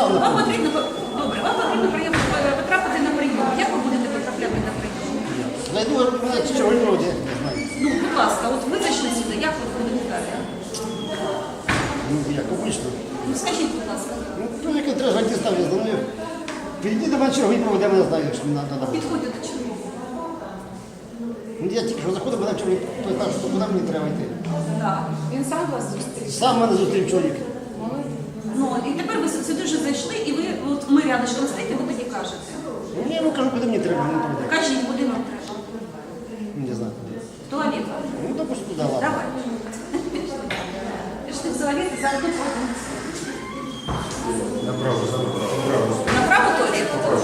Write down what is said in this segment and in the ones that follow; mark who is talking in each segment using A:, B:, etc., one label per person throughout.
A: Вам потрібно, добре, вам потрібно потрапити на прийом. Як ви будете потрапляти на прийом?
B: Зайду, мене чого не роді, не знаю.
A: Ну, будь ласка, от ви зайшли сюди, як ви будете далі?
B: Ну, як обично.
A: Ну, скажіть, будь ласка.
B: Ну, як треба зайти ставити, знаю. Підійди до мене черговий проведе, мене знаю, що мені треба.
A: Підходьте до чого?
B: Ну, я тільки що заходив, мене чоловік питав, що куди мені треба йти.
A: Так.
C: Він сам вас зустрів?
B: Сам мене зустрів чоловік.
A: Ну, і тепер ви сюди вже зайшли, і ви, от ми рядышком стоїте, ви тоді кажете.
B: Ну, я йому кажу, куди мені треба, він проведе.
A: Кажіть, куди вам треба?
B: Не знаю.
A: В туалет.
B: Ну, так ось туди, ладно.
A: Давай. Пішли в туалет, і зараз тут ходимо.
D: Направо.
A: Направо туалет?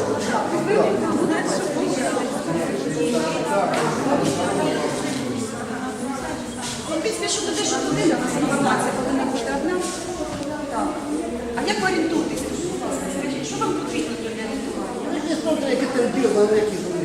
A: Ну, після, що туди, що туди, у нас інформація повинна бути одна. Так. А як ви орієнтуєтесь? Скажіть, що вам потрібно для орієнтування?
B: Ну, якісь смотри, які терапії, але які там.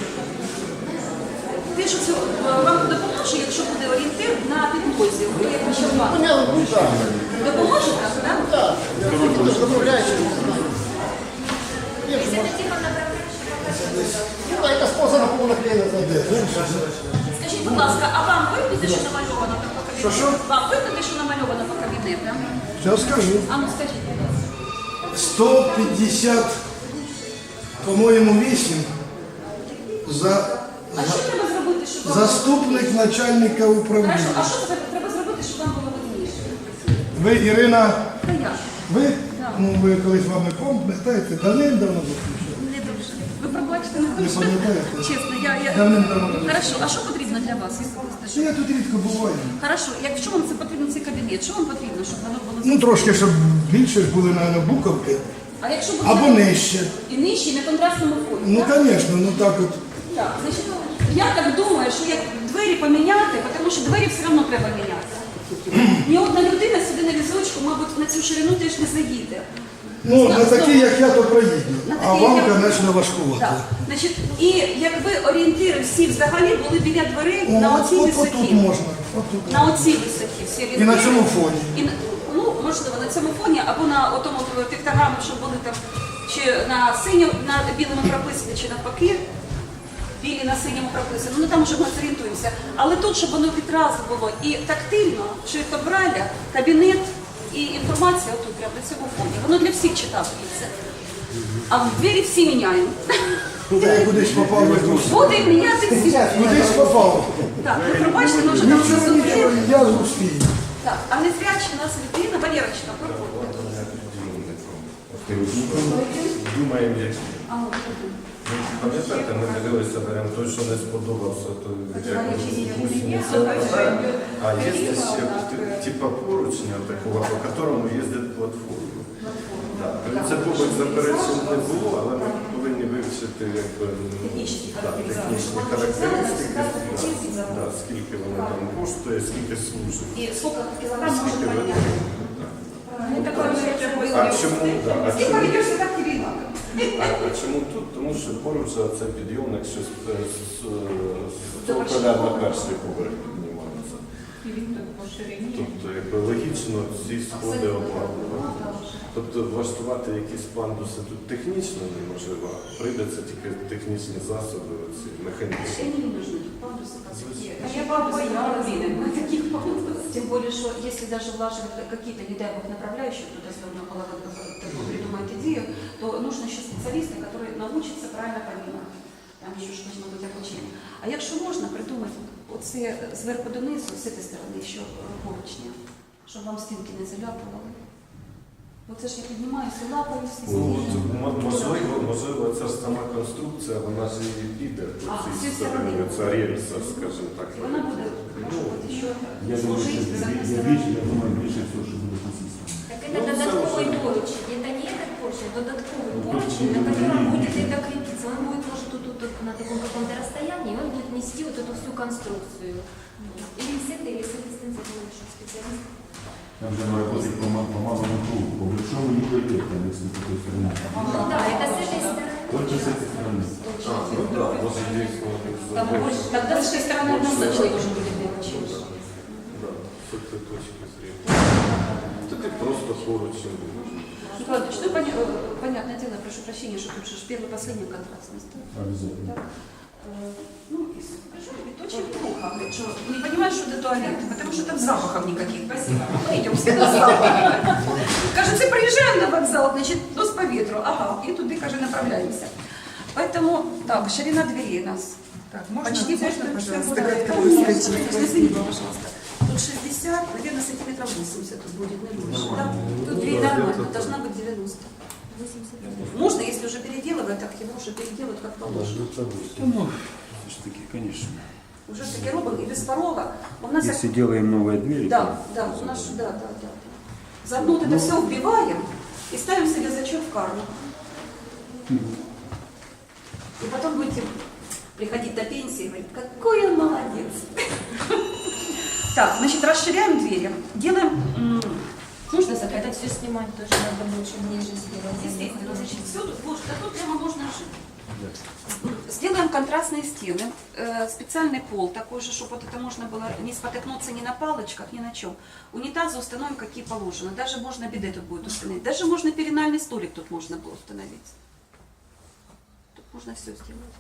A: Те, що це вам допоможе, якщо буде орієнтир на підлозі, то як ви ще вам.
B: Ну, я, ну, так.
A: Допоможе так, так?
B: Так, я тільки теж домовляюся, не знаю. Є ж, може. Ну, так, яка способа повна клієнта зайде.
A: Скажіть, будь ласка, а вам видно те, що намальовано там по кабінету?
E: Що?
A: Вам видно те, що намальовано по кабінетам?
E: Сейчас скажу.
A: А ну скажіть, будь ласка.
E: 150, по-моєму, 8
A: А що треба зробити, щоб вам...
E: заступник начальника
A: Хорошо,
E: управління.
A: а що треба зробити, щоб вам було видніше?
E: Ви, Ірина,
A: Та як?
E: ви?
A: Так.
E: Ну, ви колись вам не пам'ятаєте, давним-давно зустрічали.
A: Не дуже. Ви пробачте, не
E: Не
A: дуже.
E: пам'ятаєте?
A: Чесно, я...
E: Давним-давно.
A: Хорошо, а що потрібно для вас? Я скажу?
E: Ну, я тут рідко буваю.
A: Хорошо, якщо вам це потрібно, цей кабінет, що вам потрібно, щоб воно було...
E: Ну, трошки, щоб більше ж були, мабуть, буковки.
A: А якщо буде...
E: Або нижче.
A: І нижче, на контрастному фоні,
E: Ну,
A: так?
E: звісно, ну так от.
A: Так, значить, я так думаю, що як двері поміняти, тому що двері все одно треба міняти. Ні одна людина сюди на візочку, мабуть, на цю ширину теж не заїде.
E: Ну, на такі, як я, то проїду.
A: На
E: А
A: такі,
E: вам,
A: як я-
E: звісно, важкувати.
A: Так. Значить, і якби орієнтири всі взагалі були біля дверей
E: Ну,
A: на оцій
E: от
A: висоті.
E: тут можна. От тут.
A: На оцій висоті всі орієнтири.
E: І на цьому фоні.
A: І, ну, можливо, на цьому фоні, або на отому піктограмі, щоб були там, чи на синьому, на білому прописані, чи навпаки. Білі на синьому прописано, ну там вже ми зорієнтуємося. Але тут, щоб воно відразу було і тактильно, шрифтом Брайля, кабінет і інформація отут, прямо на цьому фоні. Воно для всіх читається. А в двері всі міняємо.
E: Тут я кудись попав в якусь.
A: Буде міняти всі.
E: Кудись попав.
A: Так, ви пробачте, ми вже там
E: Нічого, нічого,
A: зустріли.
E: я зустрію.
A: Так, а не зрячі у нас людина, Валерочка, проходить.
D: Думаємо, як.
A: А, от тут.
D: Пам'ятаєте, ми дивилися, беремо той, що не сподобався, то як гусениця. А є ще типа поручня такого, по которому їздить платформа. Це побут заперечень не було, але ми повинні вивчити якби, технічні характеристики, да, скільки воно там коштує, скільки служить.
A: І скільки кілограм може
D: Скільки
A: пройняти?
D: витримує.
A: Ну, такое
D: А чому? Да, а
A: Скільки
D: чому?
A: ведешся, так і війна.
D: А чому тут? Тому що поруч це підйомник, що з на перший поверх піднімається. Тобто, якби логічно ці сходи обладнувати. Тобто влаштувати якісь пандуси тут технічно неможливо, прийдеться тільки технічні засоби, ці механічні.
A: Они не нужны, пандусы какие. Я боялась таких пандусов. Тем более, что если даже влаживать какие-то, не дай бог, направляющие, туда сделано было придумать идею, то нужно еще специалисты, которые научатся правильно понимать. Там еще ж должно быть обучение. А якщо можна придумати оце зверху донизу, з цієї сторони, що поручня, щоб вам стінки не заляпували. Оце ж я піднімаюся, лапаю всі стіни.
D: Можливо, ця ж сама конструкція, вона ж і піде по
A: А,
D: цій
A: з
D: стороні,
A: цієї
D: ця рельса, скажімо так.
A: Вона буде, може бути, що
F: Я думаю,
A: служить
F: что
A: з однієї
F: я
A: сторони.
F: думаю, больше всего, что будет насильство.
G: Так это додатковый поручень, это не этот поручень, додатковый поручень, на котором будет это крепиться. Он будет, может, тут на таком каком-то расстоянии, он будет нести вот эту всю конструкцию. Или с этой станции наших специалистов.
F: Там же надо работать по малому кругу, по большому не пойдет, там, если с такой стороны.
G: Ну да, это с этой стороны.
F: Только с этой стороны.
D: Ну так, може дійсно.
A: Там больше, тогда с этой стороны однозначно должен быть поручень.
D: Да, з цієї точки зрення. Тоді просто поруч.
A: Николай Ильич, ну, понятное дело, я прошу прощения, что тут же первый последний контрастность.
F: Обязательно.
A: Ну, и скажу, это очень плохо, говорит, что не понимаешь, что это туалет, потому что там запахов никаких. Спасибо. Мы идем все на запах. Кажется, приезжаем на вокзал, значит, нос по ветру, ага, и туда, кажется, направляемся. Поэтому, так, ширина дверей у нас.
C: Так, можно,
A: Почти
C: можно,
A: больше,
C: пожалуйста,
A: чем
C: как-то
A: будет.
C: выскочить?
A: Извините, пожалуйста. Тут 60, наверное, сантиметров 80 тут будет, не больше. Да? Тут дверь нормально, должна быть 90.
G: 80.
A: Можно, если уже переделывать, так его уже переделать как положено.
F: Ну, все-таки, конечно.
A: Уже таки робим и без порога. У нас
F: Если делаем новые двери,
A: да, да, у нас, да. Заодно вот это все вбиваем и ставим себе зачет в карму. И потом будете приходить до пенсии и говорить, какой он молодец. Так, значит, расширяем двери. Делаем... Нужно
G: Это
A: закрыть?
G: все снимать тоже надо больше ниже сделать.
A: Естественно, значит, все тут, боже, да тут прямо можно жить. Сделаем контрастные стены, специальный пол, такой же, чтобы вот это можно было не спотыкнуться ни на палочках, ни на чем. Унитазы установим, какие положено. Даже можно биде тут будет установить. Даже можно перинальный столик тут можно было установить. Тут можно все сделать.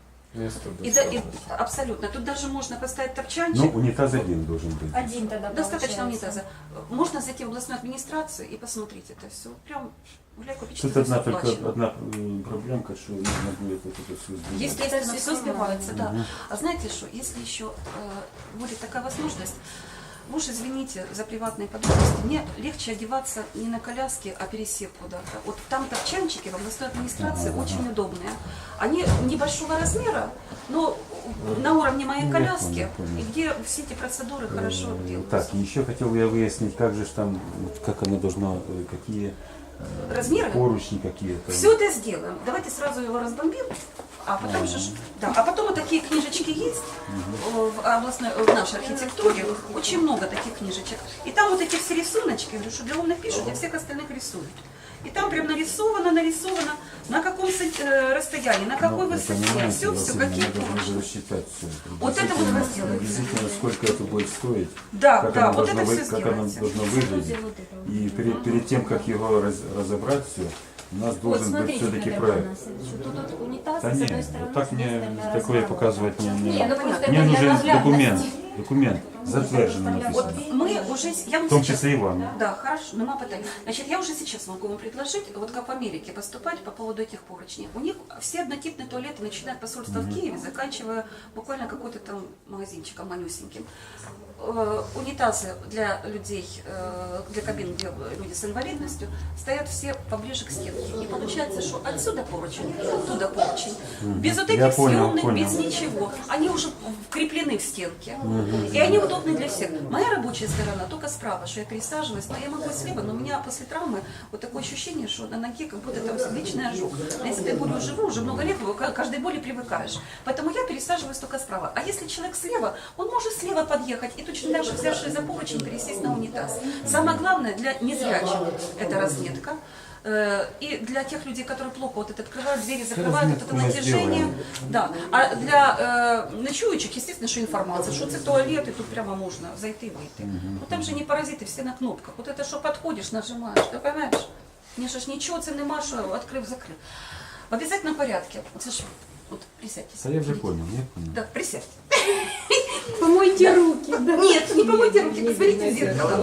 A: Абсолютно. Тут даже можно поставить топчанчик.
F: ну, унитаз один должен быть.
G: Один тогда
A: Достаточно
G: получается.
A: унитаза. Можно зайти в областную администрацию и посмотреть это все. Прям гуляй, купить,
F: Тут
A: что
F: одна
A: всё
F: только
A: оплачено.
F: проблемка, что нужно будет вот это все сделать.
A: Естественно,
G: Это
A: все
G: всё
A: сбивается, да.
F: Мгм.
A: А знаете что, если еще будет такая возможность, вы уж извините за приватные подробности, мне легче одеваться не на коляске, а пересев куда-то. Вот там топчанчики в областной администрации очень удобные. Они небольшого размера, но на уровне моей
F: Я
A: коляски,
F: понял.
A: и где все эти процедуры хорошо делаются.
F: Так, и еще хотел я выяснить, как же ж там, вот как она должна, какие
A: Размеры?
F: поручни какие-то.
A: Все это сделаем. Давайте сразу его разбомбим, а потом же, да, а потом вот такие книжечки есть в областной, в нашей архитектуре, очень много таких книжечек. И там вот эти все рисуночки, я говорю, что для умных пишут, для всех остальных рисуют. И там прям нарисовано, на каком расстоянии, на какой
F: Ну,
A: высоте,
F: понимаете,
A: все,
F: Василий,
A: какие
F: надо
A: поручни.
F: уже рассчитать все.
A: Вот это вот вы сделаете.
F: Приблизительно, сколько это будет стоить,
A: Да,
F: как,
A: да,
F: оно,
A: вот
F: должно
A: это
F: вы-
A: все
F: как оно
A: сделайте.
F: должно выглядеть.
G: Вот это вот.
F: И перед тем, как его разобрать все, у нас
G: Вот
F: должен быть
G: смотрите,
F: все-таки
G: как
F: проект.
G: у нас, что тут вот унитаз,
F: Да
G: с
F: не,
G: одной стороны,
F: вот так
G: с другой
F: мне
G: стороны
F: такое
G: размах.
F: показывать не
G: Не, ну просто
F: Мне
G: это для
F: нужен
G: наглядности.
F: документ, затверженный
A: Вот
F: написано.
A: мы уже, я вам
F: В том
A: сейчас-
F: числе и вам.
A: Да, хорошо, нема питань. Значит, я уже сейчас могу вам предложить, вот как в Америке поступать по поводу этих поручней. У них все однотипные туалеты, начиная от посольства в Киеве, заканчивая буквально какой-то там магазинчиком манюсеньким. Унитазы для людей, для кабин, где люди с инвалидностью, стоят все поближе к стенке. И получается, что отсюда поручень, оттуда поручень. Без вот
F: Я
A: этих
F: понял,
A: съемных,
F: понял.
A: без ничего. Они уже вкреплены в стенке. И они удобны для всех. Моя рабочая сторона только справа, что я пересаживаюсь, но я могу и слева, но у меня после травмы вот такое ощущение, что на ноге как будто там личный ожог. А если ты болью живу, уже много лет, к каждой боли привыкаешь. Поэтому я пересаживаюсь только справа. А если человек слева, он может слева подъехать и точно так же, взявшись за поручень, пересесть на унитаз. Самое главное для незрячих – это разметка. И для тех людей, которые плохо вот это открывают двери, закрывают вот это
F: разметку мы
A: натяжение.
F: сделаем.
A: Да. А для ночуючих, естественно, что информация, что это туалет, и тут прямо можно зайти и выйти. Ну там же не паразиты, все на кнопках. Вот это что подходишь, нажимаешь, ты понимаешь? Мне же ж ничего це нема, що открыв-закрыв. В обязательном порядке. Вот, слушай, вот присядьте.
F: Да я уже понял, я понял.
A: Да, присядьте.
G: Помойте руки. Да.
A: Нет, не помойте руки, посмотрите в зеркало.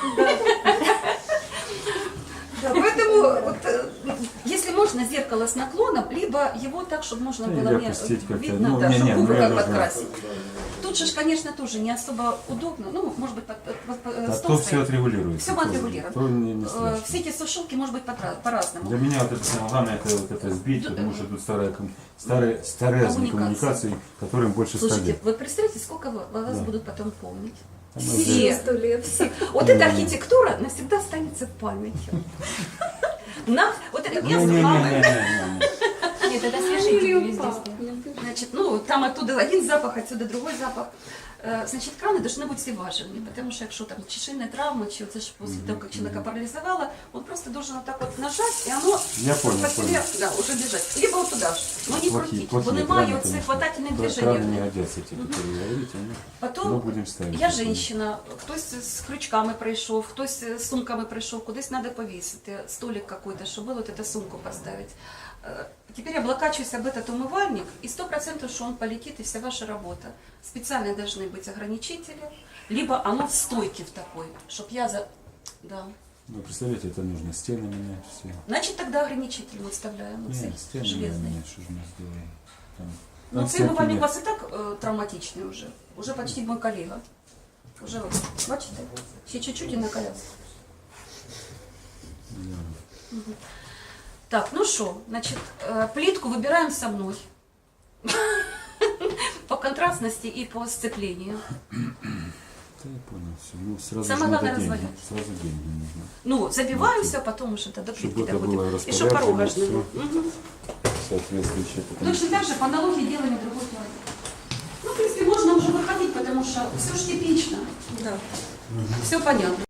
A: Да, поэтому, вот, если можно, зеркало с наклоном, либо его так, чтобы можно
F: Или
A: было мне
F: опустить как-то.
A: видно,
F: Ну,
A: да,
F: не,
A: чтобы
F: не,
A: губы
F: ну, я
A: как
F: должна-
A: подкрасить. Тут же, конечно, тоже не особо удобно, ну, может быть,
F: А
A: стол
F: то все
A: стоит.
F: отрегулируется.
A: Все мы отрегулируем.
F: То не страшно.
A: Все эти сушилки, может быть, по-разному.
F: Для меня вот это самое главное, это вот это сбить, потому что тут старые коммуникации, которым больше 100
A: Слушайте,
F: лет.
A: вы представляете, сколько вас
F: Да.
A: будут потом помнить?
F: Там
A: Все.
G: 100 лет.
A: Все. Вот эта архитектура навсегда останется памятью. Вот это я с мамой.
F: Не-не-не-не-не.
G: Нет, это свежие везде.
A: Значит, ну, там оттуда один запах, отсюда другой запах. Значит, краны должны быть всеваживыми, потому что якщо там чи шинная травма, чи це ж после того, как человека парализовало, он просто должен вот так вот нажать, и оно
F: Я понял,
A: по себе, да, уже бежать. Либо вот туда же, но не крутить, бо немає оцих хватательних
F: Краны
A: движений.
F: не годятся, эти, которые говорите, мы
A: Потом
F: будем ставить.
A: я женщина, хтось з крючками прийшов, хтось з сумками прийшов, кудись треба повісити, столик какой-то, щоб було вот эту сумку поставити. Теперь облокачиваюсь об этот умывальник, и 100% что он полетит, и вся ваша работа. Специально должны быть ограничители, либо оно в стойке в такой, чтобы я за... Да.
F: Вы представляете, это нужно стены менять все.
A: Значит, тогда ограничитель мы вставляем, вот
F: Нет, стены
A: железный.
F: менять, что же мы сделаем? Там,
A: Ну,
F: там
A: цей умывальник у
F: всякие-
A: вас и так травматичный уже почти мой коллега. Уже, вот, бачите, ще чуть-чуть и на коляску.
F: Да.
A: Так, ну что, значит, плитку выбираем со мной. По контрастности и по сцеплению.
F: Да, я понял, все. Ну, сразу
A: Самое
F: же надо
A: главное
F: деньги.
A: развалить.
F: Сразу деньги нужно.
A: Ну, забиваю все, потом уже до плитки
F: Чтобы это было
A: доходим. И что
F: распоряжено,
A: порогожную.
F: Соответствующее. потому
A: Точно так же по аналогии делаем и другой туалет. Ну, в принципе, можно уже выходить, потому что все же типично. Да. Все понятно.